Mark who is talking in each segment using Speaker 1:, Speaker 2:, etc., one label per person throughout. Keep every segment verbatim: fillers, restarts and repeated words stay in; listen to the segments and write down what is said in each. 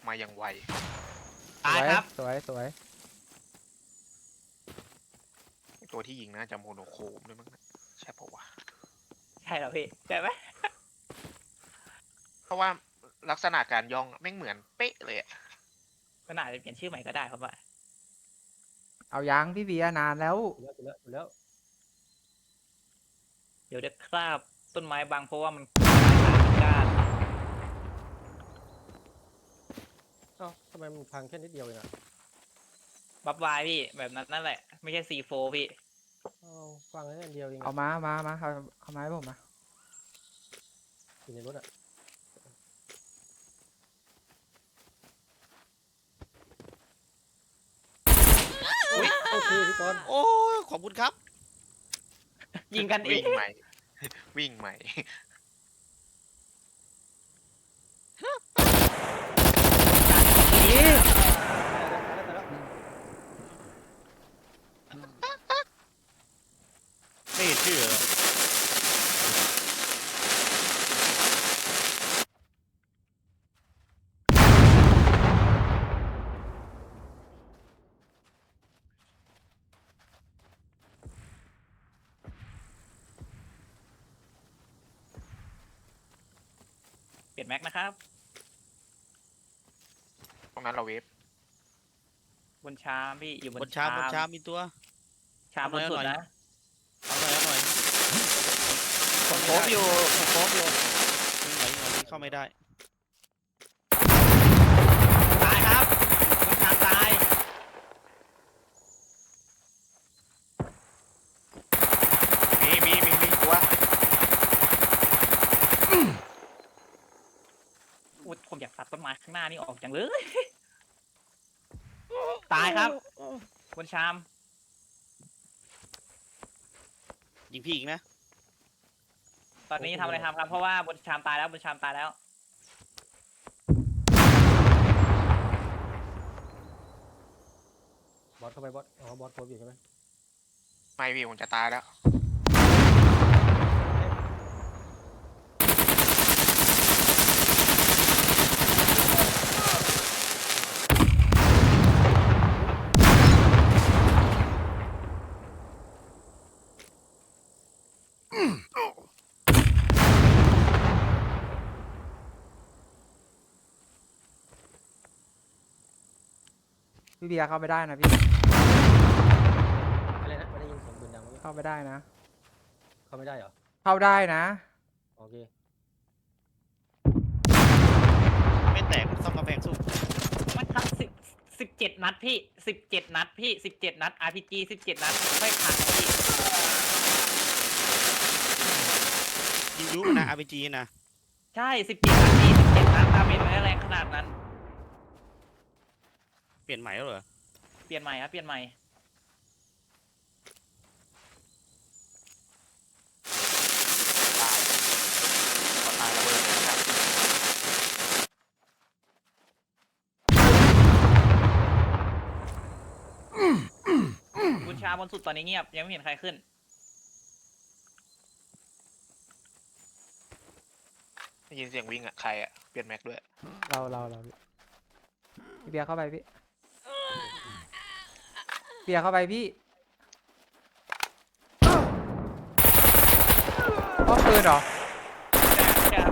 Speaker 1: มาอย่างไว
Speaker 2: ตายครับ
Speaker 3: สวยสวย
Speaker 1: ตัวที่ยิงน่าจะโมโนโครมด้วยมั้งใช่ปะวะ
Speaker 2: ใช่เหรอพี่ใช่ไหม
Speaker 1: เพราะว่าลักษณะการย่องไม่เหมือนเป๊ะเลยอะ
Speaker 2: ก็น่าจะเปลี่ยนชื่อใหม่ก็ได้ครับว่า
Speaker 3: เอายังพี่เบียร์นานแล้ว
Speaker 4: แล้วแล้วแล้ว
Speaker 2: เดี๋ยวจะคราบต้นไม้บางเพราะว่ามันก้าน
Speaker 4: เอ้าทำไมมันพังแค่นิดเดียวเองอะ
Speaker 2: บัฟวายพี่แบบนั้นนั่นแหละไม่ใช่ซีโฟพี่
Speaker 4: เอ้าฟังแค่นิดเดียวเอง
Speaker 3: เอามามามาเอาเอาไม้ผมมา
Speaker 4: อยู่ในรถอะอุ้ยโอเคพี่กรณ์
Speaker 5: โอ้ยขอบคุณครับ
Speaker 2: ยิงกันเอ
Speaker 1: วิ่
Speaker 2: ง
Speaker 1: งใหม่ วิ่งใหม่
Speaker 3: นี่
Speaker 4: ตายแล้วตายแล้ว
Speaker 5: ไม่เห็นชื่อเหรอ
Speaker 2: เปลี่ยนแม็กนะครับ
Speaker 1: ตรงนั้นเราเวฟ
Speaker 2: บนชามพี่อยู่บบ น
Speaker 5: นชามบนชามมีตัว
Speaker 2: ชามบนสุดนะ
Speaker 5: เอาหน่อยเอาหน่อย
Speaker 2: ผมโคบอยู่ผมโคบอยู่
Speaker 5: ยิงหน่อยยิงหน่อยยิงเข้าไม่ได้
Speaker 2: ตายครับบนชามตาย
Speaker 1: มีมีมีมีตัว
Speaker 2: อุ๊ยผมอยากตัดต้นไม้ข้างหน้านี่ออกจังเลย ตายครับบนชาม
Speaker 5: ยิงพี่อีกนะ
Speaker 2: ตอนนี้ทำอะไรทำครับเพราะว่าบนชามตายแล้วบนชามตายแล้ว
Speaker 4: บอสเข้าไปบอสอ๋อบอสโคบอยู่ใช่ไหม
Speaker 1: ไม่พี่ผมจะตายแล้ว
Speaker 3: พี่เบียร์เข้าไปได้นะพี่
Speaker 4: อะไรนะไม่ได้ยินเสียงปืนดังเมื่อกี้
Speaker 3: เข้าไปได้นะ
Speaker 4: เข้าไม่ได้เหรอ
Speaker 3: เข้าได้นะ
Speaker 4: โอเค
Speaker 5: ไม่แตกซ่อมกำแพงสู้
Speaker 2: มันทักสิบสิบเจ็ดนัดพี่สิบเจ็ดนัดพี่สิบเจ็ดนัด อาร์ พี จี สิบเจ็ดนัดไม่ผ่านพี่
Speaker 5: ยิงยุมันนะ อาร์ พี จี นะ
Speaker 2: ใช่สิบเจ็ดนัดพี่สิบเจ็ดนัดตามเมนไม่แรงขนาดนั้น
Speaker 5: เปลี่ยนใหม่แล้วเหรอ
Speaker 2: เปลี่ยนใหม่ครับเปลี่ยนใหม่
Speaker 1: ตายพอตายระเบิดเลยนะครับ
Speaker 2: บุญชาบนสุดตอนนี้เงียบยังไม่เห็นใครขึ้น
Speaker 1: ได้ยินเสียงวิ่งอะใครอะเปลี่ยนแม็กด้วย
Speaker 3: เราเราเราพี่เบียร์เข้าไปพี่เบียร์เข้าไปพี่ป้อมปืนเหรอ
Speaker 2: ใช่ครับ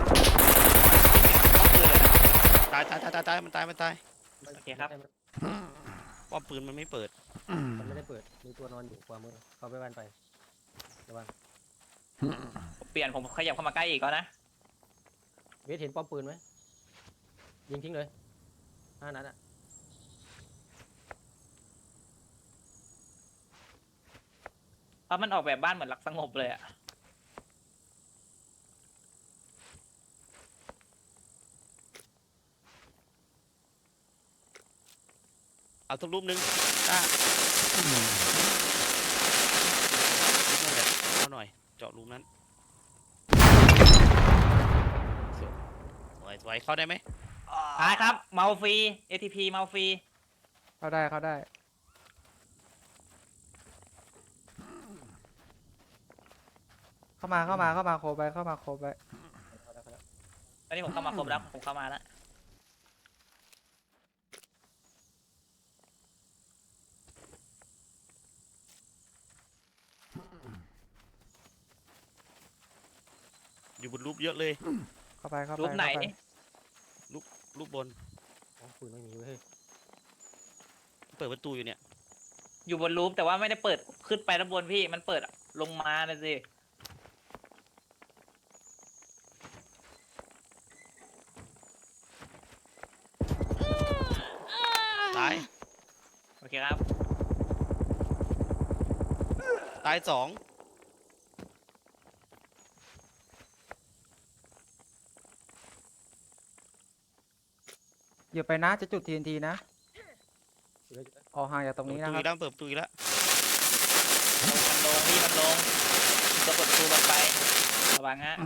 Speaker 5: ตายตายตายตายตายมันตายมันตาย
Speaker 2: โอเคครับ
Speaker 5: ป้อมปืนมันไม่เปิด
Speaker 4: มันไม่ได้เปิดมีตัวนอนอยู่ขวามือเข้าไปบ้านไประวัง
Speaker 2: ผมเปลี่ยนผมขยับเข้ามาใกล้อีกแล้วนะ
Speaker 4: เวทเห็นป้อมปืนไหมยิงทิ้งเลยห้านัดอะ
Speaker 2: เพราะมันออกแบบบ้านเหมือนหลักสงบเลยอะ
Speaker 5: เอาทุกรูปนึงอ่ะนั่นแหละเอาหน่อย เจาะรูนั้น สวยสวยเข้าได้ไหม
Speaker 2: ตายครับเมาฟรี เอ ที พี เมาฟรี
Speaker 3: เข้าได้เข้าได้ เข้ามาเข้ามาเข้ามาโคไปเข้ามาโคไป
Speaker 4: เข้าแล้วเข้าแล้ว
Speaker 2: ตอนนี้ผมเข้ามาครบแล้วผมเข้ามาแล้ว
Speaker 5: อยู่บนรูปเยอะเลย
Speaker 3: เข้าไปเข้าไป
Speaker 2: รูปไหน
Speaker 3: เข้าไป
Speaker 5: รูปบน
Speaker 4: อ๋อปืนไม่มีเว้ย
Speaker 5: เปิดประตูอยู่เนี่ย
Speaker 2: อยู่บนรูปแต่ว่าไม่ได้เปิดขึ้นไปด้านบนพี่มันเปิดลงมาเลยสิ
Speaker 5: ตาย
Speaker 2: โอเคครับ
Speaker 5: ตายสอง
Speaker 3: อย่าไปนะจะจุด ที เอ็น ที นะ
Speaker 4: อยู่เลยอยู่เลย
Speaker 3: ออกห่างจากตรงนี้
Speaker 5: เปิด
Speaker 3: นะ
Speaker 5: ประตู
Speaker 3: ค
Speaker 5: อี
Speaker 3: รับ
Speaker 5: กแล้วเปิดประตูอีกแล้ว
Speaker 2: มันลงพี่มันลงจะกดประตูลงไประวังฮะ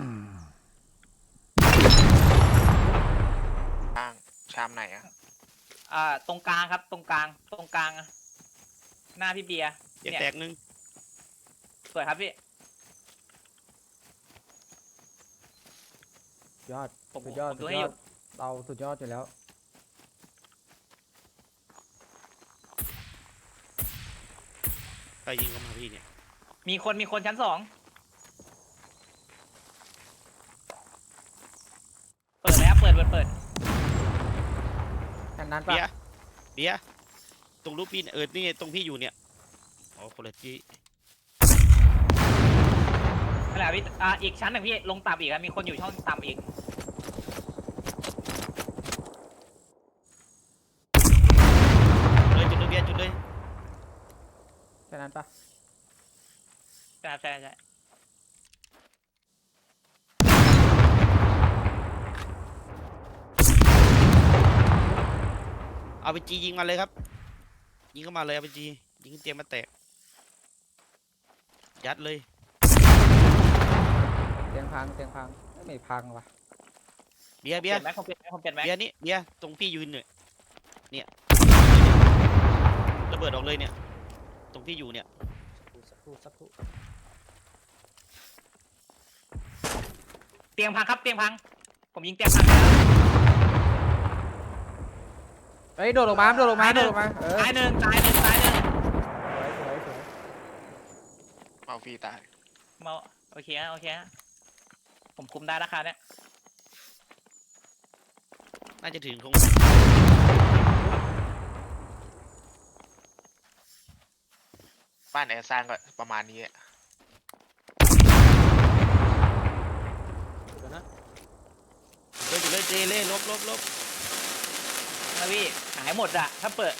Speaker 1: ข้างชามไหนอะ
Speaker 2: อ่าตรงกลางครับตรงกลางตรงกลางหน้าพี่เบียร์
Speaker 5: แยก
Speaker 2: เนี่ย
Speaker 5: แตกหนึ่ง
Speaker 2: สวยครับพี่
Speaker 3: ยอด
Speaker 2: ผม
Speaker 3: สุดยอด
Speaker 2: ผม
Speaker 3: สุ
Speaker 2: ดู
Speaker 3: ด
Speaker 2: ให้
Speaker 3: ย
Speaker 2: อ
Speaker 3: อยู่ ดเราสุดยอดอยู่แล้ว
Speaker 5: ใครยิงเข้ามาพี่เนี่ย
Speaker 2: มีคนมีคนชั้นสองเปิดแล้วเปิดเปิดเปิด
Speaker 3: แค่นั้นปะ
Speaker 5: เบียร์เบียร์ตรงรูปพี่เนี่ยเออนี่ไงตรงพี่อยู่เนี่ยอ๋อคนละที่
Speaker 2: นั่นแหละพี่อ่าอีกชั้นหนึ่งพี่ลงต่ำอีกครับมีคนอยู่ช่องต่ำอีก
Speaker 5: เลยจุดเลยเบียร์จุดเลย
Speaker 3: แค่นั้นปะ
Speaker 2: ใช่ใช่ใช่
Speaker 5: เอาไปจียิงมาเลยครับ ยิงเข้ามาเลยเอาไปจียิงเตรียมมาแตกยัดเลย
Speaker 3: เตียงพังเตียงพังไม่พังว่ะ
Speaker 5: เบียร์
Speaker 2: เป
Speaker 5: เบี
Speaker 2: ลี่
Speaker 5: ย
Speaker 2: ย
Speaker 5: ร์
Speaker 2: นไหมผมเปลี่ยนไหมผมเปลี่ยนไหม
Speaker 5: เบียร์นี่เบียร์ตรงพี่ยืนเนี่ยเนี่ยระเบิดออกเลยเนี่ยตรงพี่อยู่เนี่ย
Speaker 4: สักครู่สักครู่
Speaker 2: เตียงพังครับเตียงพังผมยิงเตียงพังไปแล้ว
Speaker 3: เฮ้ยโดดลงมาโดดลงมาโดดลงมาเออ
Speaker 2: ตายหนึ่งตายหนึ่งตายหนึ่ง
Speaker 3: สวยสวยสวย
Speaker 1: เมาฟรีตาย
Speaker 2: มาโอเคฮะโอเคฮะผมคุมได้ราคาเนี้ย
Speaker 5: น่าจะถึงคง
Speaker 1: บ้านแอร์สร้างก็ประมาณนี้อะ
Speaker 4: เดี๋ยวนะ
Speaker 5: เลยจุดเลยเจเล่ลบลบลบ
Speaker 2: นะพี่หายหมดอะถ้าเปิด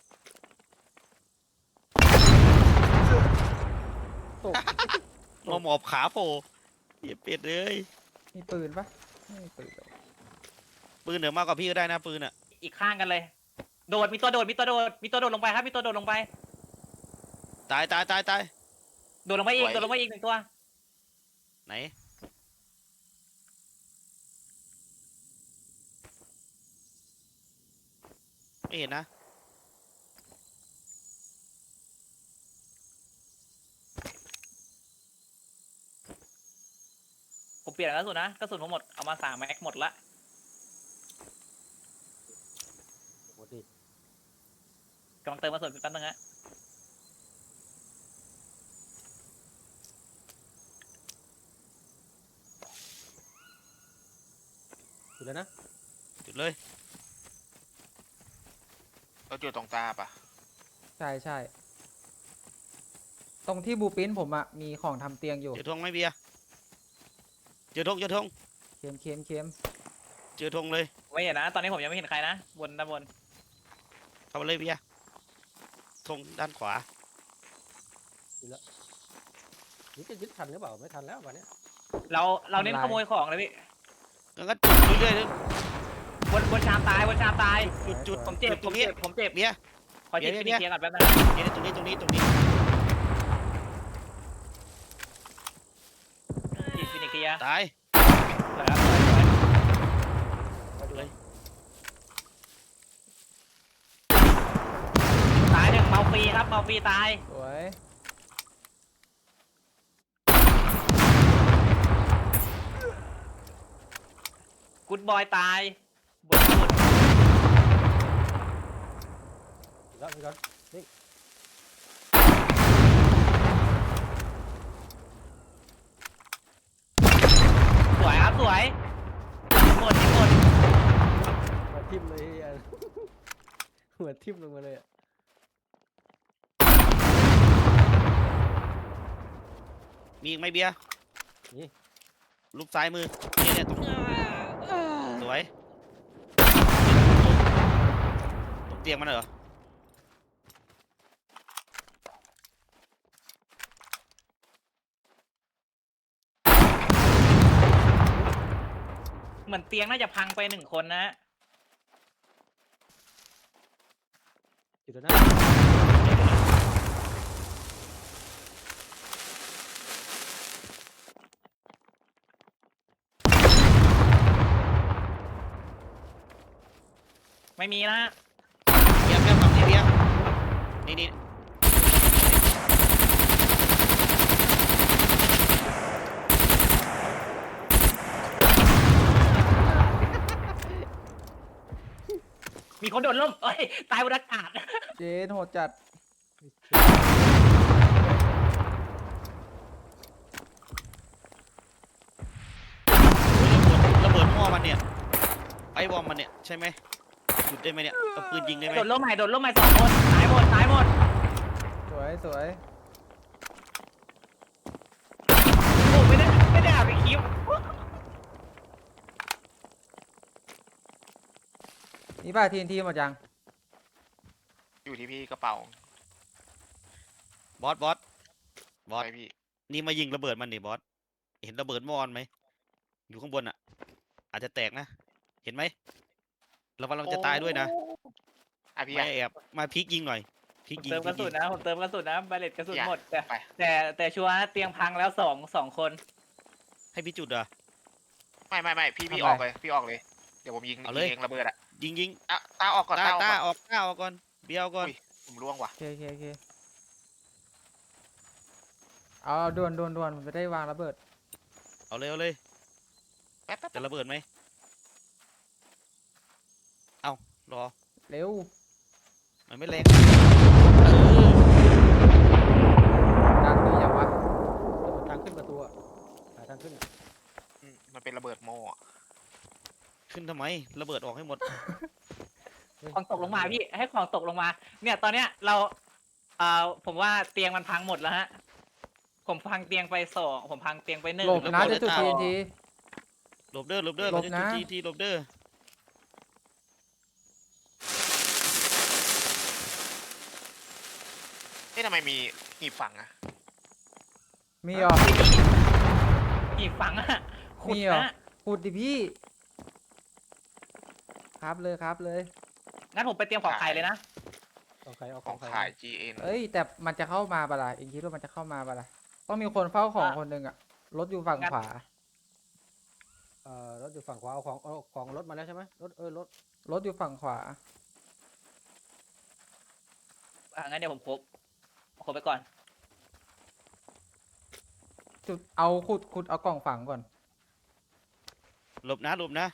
Speaker 3: ตก
Speaker 5: งอหมอบขาโผล่เหี้ยเป็ดเลย
Speaker 3: มีปืนปะไม่มีปืนเลย
Speaker 5: ปืนเหนือมากกว่าพี่ก็ได้นะปืนอ่ะ
Speaker 2: อีกข้างกันเลย โดดมีตัวโดดมีตัวโดดมีตัวโดดลงไปครับมีตัวโดดลงไป
Speaker 5: ตายตายตายตาย
Speaker 2: โดดลงไปอีกโดดลงไปอีกหนึ่งตัว
Speaker 5: ไหนไม่เห็นนะ
Speaker 2: ผมเปลี่ยนกระสุนนะกระสุนผมหมดเอามาสามแม็กหมดละ
Speaker 4: โอ้โหดิ
Speaker 2: กำลังเติมกระสุนแป๊บนึงฮะ
Speaker 4: อยู่แล้วนะ
Speaker 5: จุดเลย
Speaker 1: รถอยู่ตรงตาปะ
Speaker 3: ใช่ใช่ตรงที่บูปินผมอะมีของทำเตียงอยู่
Speaker 5: เจอธงไหมเบียร์เจอธงเจอธง
Speaker 3: เค็มเค็มเค็ม
Speaker 5: เจอธงเลย
Speaker 2: ไม่เห็นนะตอนนี้ผมยังไม่เห็นใครนะบนด้านบน
Speaker 5: เข้ามาเลยเบียร์ธงด้านขวา
Speaker 4: นี่จะยึดทันหรือเปล่าไม่ทันแล้ววันเนี้ย
Speaker 2: เราเราเน้นขโมยของเลยพี่
Speaker 5: งั้นก็จุดเรื่อยๆเลย
Speaker 2: บนบนชามตายบนชามตาย
Speaker 5: จุดจุด
Speaker 2: ผมเจ็บ
Speaker 5: จุด
Speaker 2: ผ
Speaker 5: ตร
Speaker 2: ม
Speaker 5: งนี้
Speaker 2: เจ็บผมเจ็บ
Speaker 5: เบียร์
Speaker 2: ขอจิต
Speaker 5: เดี๋
Speaker 2: ฟิ
Speaker 5: ยว
Speaker 2: นิ
Speaker 5: เดี๋ยว
Speaker 2: เคียร์ก่อนแป๊บนึง
Speaker 5: เบียร์ตรงนี้ตรงนี้ตรงนี้
Speaker 2: จิตฟินิเคียร์
Speaker 5: ตาย
Speaker 2: สวยครับสวยสวย
Speaker 4: ไปดูเลย
Speaker 2: ตายหนึ่งเมาฟรีครับเมาฟรีตาย
Speaker 3: สวย
Speaker 2: กูดบอยตายบนบน
Speaker 4: อยู่แล้วพี่ก่อนนี่
Speaker 2: สวยวยหมดหมด
Speaker 4: หัวทิ่มเลยอ่ะ หัวทิ่มลงมาเลยอะ
Speaker 5: มีอีกไหมเบียร์
Speaker 4: นี่
Speaker 5: ลูกซ้ายมือนี่เนี่ยตรงสวยตรงเตียงมันเหรอ
Speaker 2: เหมือนเตียงน่าจะพังไปหนึ่งคนนะฮะ
Speaker 4: อยู่ตรงหน้า
Speaker 2: ไม่มีนะฮะ
Speaker 5: เบียร์เบียร์ฝั่งนี้เบียร์นี่นี่
Speaker 2: มีคนโดดร่มเอ้ยตายบนอากาศ
Speaker 3: เจนโหดจัด
Speaker 5: ระเบิดหม้อมันเนี่ยไอ้บอมมันเนี่ยใช่ไหมหยุดได้ไหมเนี่ยเอาปืนยิงได้ไหม
Speaker 2: โดดร่มใหม่โดดร่มใหม่สองคนตายหมดตายหมด
Speaker 3: สวยสวย
Speaker 2: โอ้ไม่ได้ไม่ได้เอาไปคลิป
Speaker 3: นี่ป้าทีนทีหมดยัง
Speaker 1: อยู่ที่พี่กระเป๋า
Speaker 5: บอสบอสบอส
Speaker 1: ไปพี่
Speaker 5: นี่มายิงระเบิดมันนี่บอสเห็นระเบิดหม้อมันไหมอยู่ข้างบนอ่ะ อาจจะแตกนะ เห็นไหมระวังเราจะตายด้วยนะ
Speaker 1: อ่ะพี่
Speaker 5: ไม่
Speaker 1: อ่ะ
Speaker 5: แอบมาพลิกยิงหน่อยพลิก
Speaker 2: ผม
Speaker 5: ยิง
Speaker 2: เติม
Speaker 5: พ
Speaker 2: ก
Speaker 5: ลิ
Speaker 2: ระ
Speaker 5: ก
Speaker 2: สุ
Speaker 5: ยิ
Speaker 2: น
Speaker 5: ง
Speaker 2: นะผมเติมกระสุนนะบาเลตกระสุนหมดแต่
Speaker 1: ไป
Speaker 2: แต่แต่ชัวร์นะเตียงพังแล้วสองสองคน
Speaker 5: ให้พี่จุดเหรอ
Speaker 1: ไม่ไม่ไม่พี่พี่ออกเลยพี่ออกเลย เดี๋ยวผมยิง
Speaker 5: เอาเลย
Speaker 1: ยิงเองระเบิดอ่ะ
Speaker 5: ยิงยิง
Speaker 1: อ่ะตาออกก่อน
Speaker 5: ตา
Speaker 1: ตาออก
Speaker 5: ตา
Speaker 1: ก่อน
Speaker 5: ออกตาออกก่อนเบี้ยวก่อน
Speaker 1: อุ้ย ผมล่วงว่ะ
Speaker 3: โอเคโอเคโอเคเอาเอาด่วนด่วนด่วนผมจะได้วางระเบิด
Speaker 5: เอาเลยเอาเลย
Speaker 1: แป๊บแป๊บ
Speaker 5: จะระเบิดไหมเอารอ
Speaker 3: เร็ว
Speaker 5: มันไม่แรง
Speaker 3: ดังดีอย่างวะ
Speaker 4: ทางขึ้นประตูอะหาทางขึ้น
Speaker 1: อืมมันเป็นระเบิดโม่อะ
Speaker 5: ขึ้นทำไมระเบิดออกให้หมด
Speaker 4: เฮ้ย
Speaker 2: ของตกลงมาพี่ให้ของตกลงมา เนี่ยตอนเนี้ยเราเอ่อผมว่าเตียงมันพังหมดแล้วฮะผมพังเตียงไปสองผมพังเตียงไปหนึ่ง
Speaker 3: หลบนะ
Speaker 5: ระเบิ
Speaker 3: จะ
Speaker 5: ด
Speaker 3: จุด
Speaker 5: จะ
Speaker 3: ที
Speaker 5: เอา
Speaker 3: นที
Speaker 5: หลบเด้อหลบเด้อ
Speaker 3: หลบ
Speaker 5: เราจะ
Speaker 3: นะ
Speaker 5: จุดทีทีหลบเด้อ
Speaker 1: เอ๊ะทำไมมีหีบฝังอ่ะ
Speaker 3: มีเหรอ
Speaker 2: อีกฝังอะขุด
Speaker 3: มีเหรอ
Speaker 2: นะ
Speaker 3: ขุดดิพี่ ครับเลยครับเลย
Speaker 2: งั้นผมไปเตรียมของไข่เลยนะ
Speaker 4: ของใครเอา
Speaker 1: ข
Speaker 4: ข
Speaker 1: อ
Speaker 4: อง งใคร
Speaker 1: ขาย จี เอ็น
Speaker 3: เอ้ยแต่มันจะเข้ามาปะล่ะเองคิดว่ามันจะเข้ามาปะล่ะต้องมีคนเฝ้าของ
Speaker 2: อ่ะ
Speaker 3: คนหนึ่งอะรถอยู่ฝั่ง
Speaker 2: งั้น
Speaker 3: ขวา
Speaker 4: เอ่อรถอยู่ฝั่งขวาเอาของเอาของรถมาแล้วใช่ไหมรถเออรถ
Speaker 3: รถอยู่ฝั่งขวา
Speaker 2: อ่ะงั้นเดี๋ยวผมครบครบไปก่อน
Speaker 3: จุดเอาขุดขุดเอากล่องฝังก่อน
Speaker 5: หลบนะหลบนะ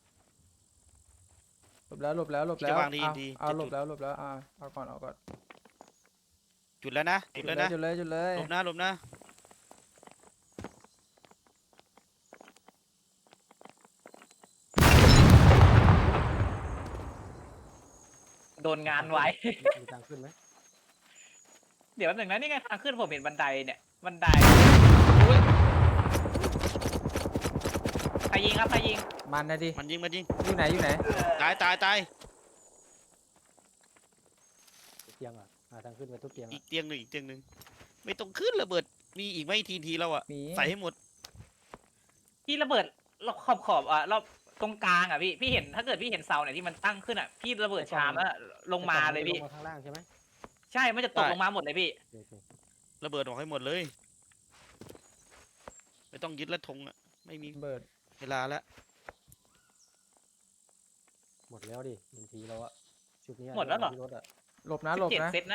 Speaker 3: หลบแล้วหลบแล้วหลบแล้ว
Speaker 5: จะวาง
Speaker 3: เอา
Speaker 5: ดี
Speaker 3: เอา
Speaker 5: จะ
Speaker 3: หล
Speaker 5: จุ
Speaker 3: บ
Speaker 5: ด
Speaker 3: แล้วหลบแล้วอ่าเอาก่อนเอาก่อน
Speaker 5: จุดแล้วนะจุดแล้วนะ
Speaker 3: จุดเลยจุดเลย
Speaker 5: หลบนะหลบนะ
Speaker 2: โดนงานไว้
Speaker 4: มีทางขึ้นไหม
Speaker 2: เดี๋ยวแป๊บหนึ่งนะนี่ไงทางขึ้นผมเห็นบันไดเนี่ยบันไดใครยิงครับใครยิง
Speaker 3: มันนะดิ
Speaker 5: มันยิงมันยิง
Speaker 3: อยู่ไหนอยู่ไหน
Speaker 5: ตายตายตาย
Speaker 4: เตียงอ่ะหาทางขึ้นไปทุกเตียง
Speaker 5: อี
Speaker 4: อะ
Speaker 5: กเตียงหนึ่งอีกเตียงหนึ่งไม่ต้องขึ้นระเบิดมีอีกไหมทีทีเราอะ
Speaker 3: มี
Speaker 5: ใส่ให้หมด
Speaker 2: พี่ระเบิดรอบขอบขอบอ่ะรอบตรงกลางอ่ะพี่พี่เห็นถ้าเกิดพี่เห็นเสาเนี่ยที่มันตั้งขึ้นอ่ะพี่ระเบิดชามแล้วลงมาเลยพี่
Speaker 4: ลงมาข้างล่างใช่ไหม
Speaker 2: ใช่มันจะตกลงมาหมดเลยพี่
Speaker 4: โอเค
Speaker 5: ระเบิดออกให้หมดเลย ไม่ต้องยึดและธงอะไม่มี
Speaker 3: เบิด
Speaker 5: เวลาแล้ว
Speaker 4: หมดแล้วดิบางทีเราอะชุดนี้ะ
Speaker 2: หมดแล้วเหรอ
Speaker 4: ที่รถอะ
Speaker 3: หลบนะหลบ
Speaker 2: เจ็ด
Speaker 3: นะ
Speaker 2: เซตนะ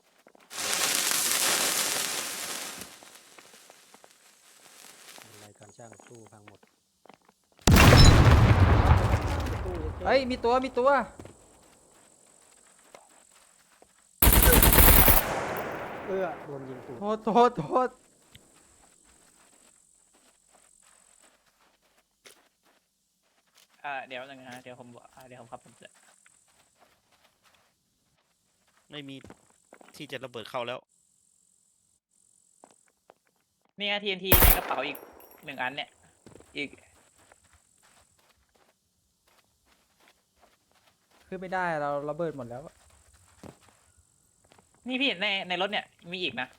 Speaker 4: รายการช่างตู้พังหมด
Speaker 3: เฮ้ยมีตัวมีตัว
Speaker 4: เออโดนยิงตูด
Speaker 3: โทษโทษโทษ
Speaker 4: เ
Speaker 2: อ่าเดี๋ยวนึงนะเดี๋ยวผมบอกอ่าเดี๋ยวผมขับผมจะ
Speaker 5: ไม่มีที่จะระเบิดเข้าแล้ว
Speaker 2: นี่ทีเอ็นทีในกระเป๋าอีกหนึ่งอันเนี่ยอีก
Speaker 3: ขึ้นไม่ได้เราระเบิดหมดแล้ว
Speaker 2: นี่พี่ในในรถเนี่ยมีอีกนะ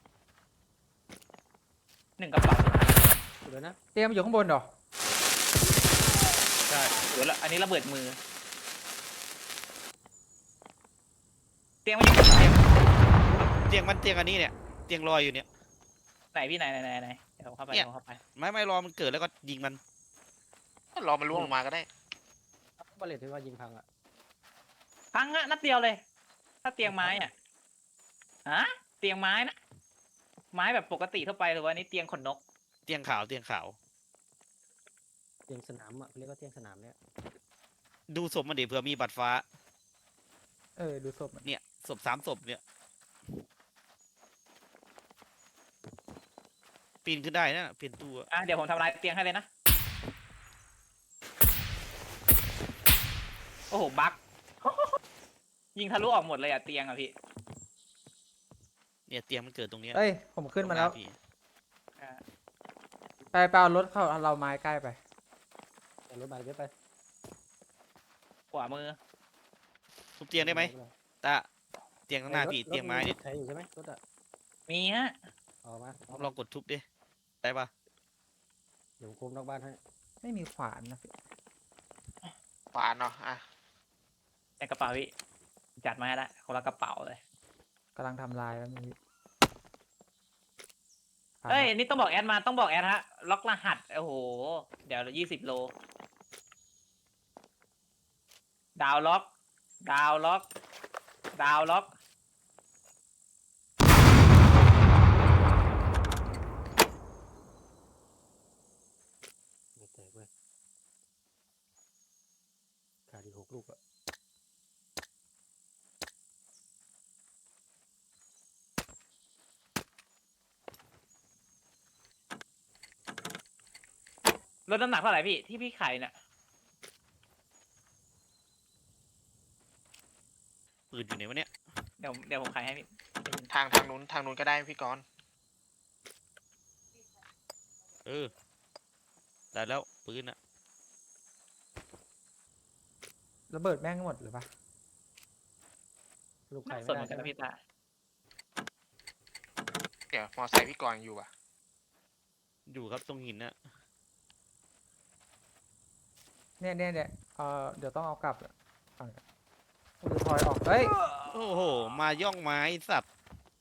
Speaker 2: หนึ่งกระเป๋า
Speaker 4: ดูเลยนะ
Speaker 3: เตรียมอยู่ข้างบนเหรอ
Speaker 5: ใช่
Speaker 2: หรือละอันนี้ระเบิดมือเตียงมันอยู่ตรงไหน
Speaker 5: เตียงมันเตียงอันนี้เนี่ยเตียงลอยอยู่เนี่ย
Speaker 2: ไหนพี่ไหนไหนไหนไหนเดี๋ยวผมเข้าไป
Speaker 5: เนี่
Speaker 2: เดี๋ย
Speaker 5: ย
Speaker 2: วผมเข้าไป
Speaker 5: ไม่ไม่รอมันเกิดแล้วก็ยิงมัน
Speaker 1: รอมันล่วงลงมาก็ได้
Speaker 4: บาเลตที่ว่ายิงพังอ่ะ
Speaker 2: พังอะนัดเดียวเลย ถ้าเตียงไม้อ่ะฮะเตียงไม้นะไม้แบบปกติทั่วไปหรือว่านี่เตียงขนนก
Speaker 5: เตียงขาวเตียงขาว
Speaker 4: เตียงสนามอ่ะเขาเรียกว่าเตียงสนามเนี่ย
Speaker 5: ดูศพมันดิเผื่อมีบัตรฟ้า
Speaker 3: เออดูศพมัน
Speaker 5: เนี่ยศพสามศพเนี่ยปีนขึ้นได้นะเปลี่ยนตัว
Speaker 2: อ่ะเดี๋ยวผมทำลายเตียงให้เลยนะโอ้โหบั๊ก ยิงทะลุออกหมดเลยอ่ะเตียงอ่ะพี่
Speaker 5: เนี่ยเตียงมันเกิดตรงเนี้ย
Speaker 3: เอ้ยผมขึ้นมาแล้ว
Speaker 5: ตรงหพี่
Speaker 2: อ่า
Speaker 3: ไปไปเอารถเข้าเอาเราไม้ใกล้ไป
Speaker 4: แต่รถบาเลตไป
Speaker 2: ขวามือ
Speaker 5: ทุบเตียงได้ไหมตาเตียงข้างหน้าพี่เตียงไม้เนี่ย
Speaker 4: ใช้อยู่ใช่ไหมรถอ่ะ
Speaker 2: มีฮะ
Speaker 4: เอามาเอา
Speaker 5: ลองกดทุบดิได้ปะ
Speaker 4: เดี๋ยวผมคุมนอกบ้านให้
Speaker 3: ไม่มีขวานนะพี่
Speaker 1: ขวานเนาะอ่ะ
Speaker 2: ในกระเป๋าพี่จัดมาให้ละคนละกระเป๋าเลย
Speaker 3: กำลังทำลายแล้วมี
Speaker 2: เอ้ยอันนี่ต้องบอกแอดมาต้องบอกแอดฮะล็อกรหัสโอ้โหเดี๋ยวยี่สิบโลดาวล็อก ดาวล็อก ดาวล็อก
Speaker 4: ไม่แตกเว้ยขาดอีกหกลูกอ่ะ
Speaker 2: ลดน้ำหนักเท่าไหร่พี่ที่พี่ไข่เนี่ย
Speaker 5: ปืนอยู่ไหนวะเนี่ย
Speaker 2: เดี๋ยวเดี๋ยวผมขายให้พี่
Speaker 1: ทางทางนู้นทางนู้นก็ได้พี่กรณ์
Speaker 5: เออได้แล้วปืนอะ
Speaker 3: ระเบิดแม่งหมดหรือปะ
Speaker 4: ลูกไข่
Speaker 2: น่าส
Speaker 4: ไม่
Speaker 2: นเห
Speaker 4: ได้
Speaker 2: มือนกัน
Speaker 4: ใช่ไหม
Speaker 2: นะพี่ตา
Speaker 1: เดี๋ยวมอไซค์พี่กรณ์อยู่อ่ะ
Speaker 5: อยู่ครับตรงหินน่ะ
Speaker 3: เนี่ยเนี่ยเนี่ยเออเดี๋ยวต้องเอากลับฝั่งผมจะถอยออกเฮ้ย
Speaker 5: โอ้โหมาย่องไม้สัตว์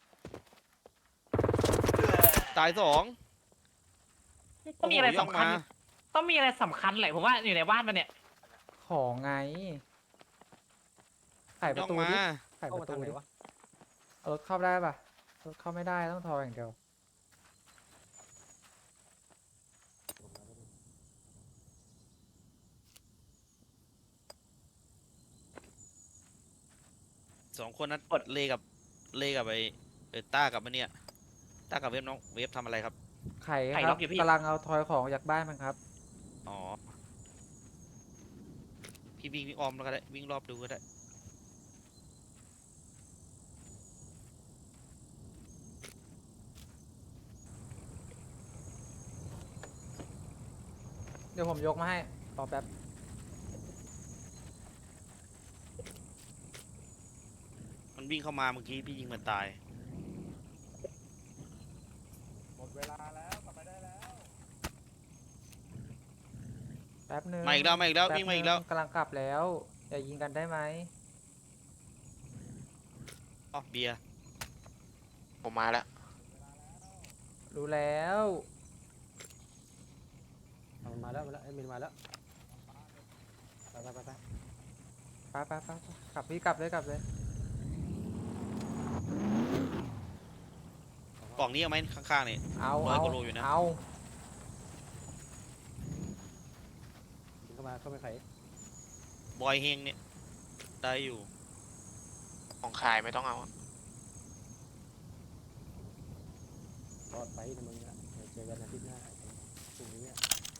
Speaker 5: ตายสอง
Speaker 2: ต้องมีอะไร
Speaker 5: โโหย่ง
Speaker 2: สำคัญ
Speaker 5: มา
Speaker 2: ต้องมีอะไรสำคัญแหละผมว่าอยู่ในบ้านมันเนี่ย
Speaker 3: ของไงไขป
Speaker 5: ย่
Speaker 3: ระ
Speaker 5: อง
Speaker 3: ตู
Speaker 5: มา
Speaker 3: ดิไขป
Speaker 4: เข้ามา
Speaker 3: ระตู
Speaker 4: ทางไหน
Speaker 3: ดิ
Speaker 4: วะ
Speaker 3: เอารถเข้าได้ปะรถเข้าไม่ได้ต้องทออย่างเดียว
Speaker 5: สองคนนั้นกดเลกับเลกับไอ้เออต้ากับมันเนี่ยต้ากับเวฟน้องเวฟทำอะไรครับ
Speaker 3: ไข่
Speaker 2: ไข่
Speaker 3: ค
Speaker 2: ล็
Speaker 3: รั
Speaker 2: อบ กอยู่พี่
Speaker 3: กำลังเอาทอยของจากบ้านมันครับ
Speaker 5: อ๋อพี่วิ่งวิ่งอ้อมแล้วก็ได้วิ่งรอบดูก็ได้
Speaker 3: เดี๋ยวผมยกมาให้รอแป๊บ
Speaker 5: มันวิ่งเข้ามาเมื่อกี้พี่ยิงมันตาย
Speaker 3: แป๊บนึง
Speaker 5: มาอีกแล้วมาอีกแล้ว
Speaker 3: ป๊บ
Speaker 5: วิ่งมาอีกแล้ว
Speaker 3: นึงกำลังกลับแล้วอย่ายิงกันได้ไหม
Speaker 5: อ๋อเบียร์
Speaker 1: ผมมาแล้ว
Speaker 3: รู้แล้ว
Speaker 4: เอามันมาแล้วมาแล้วไอ้มินมาแล้วไปไปไปไป
Speaker 3: ไปไปไปไปกลับพี่กลับเลยกลับเลย
Speaker 5: กล่องนี้เอาไหมข้างๆนี่
Speaker 3: เอา
Speaker 5: ร้อย
Speaker 3: เอา
Speaker 5: กว่าโลอยู่นะ
Speaker 3: เอา
Speaker 4: ยิงเข้ามาเข้าไปไข่
Speaker 5: บอยเฮงเนี่ยได้อยู่
Speaker 1: ของขายไม่ต้องเอาอะ
Speaker 4: รอดไปนะมึงอะเดี๋ยวเจอกันอาทิตย์หน้าพรุ่งนี้อะ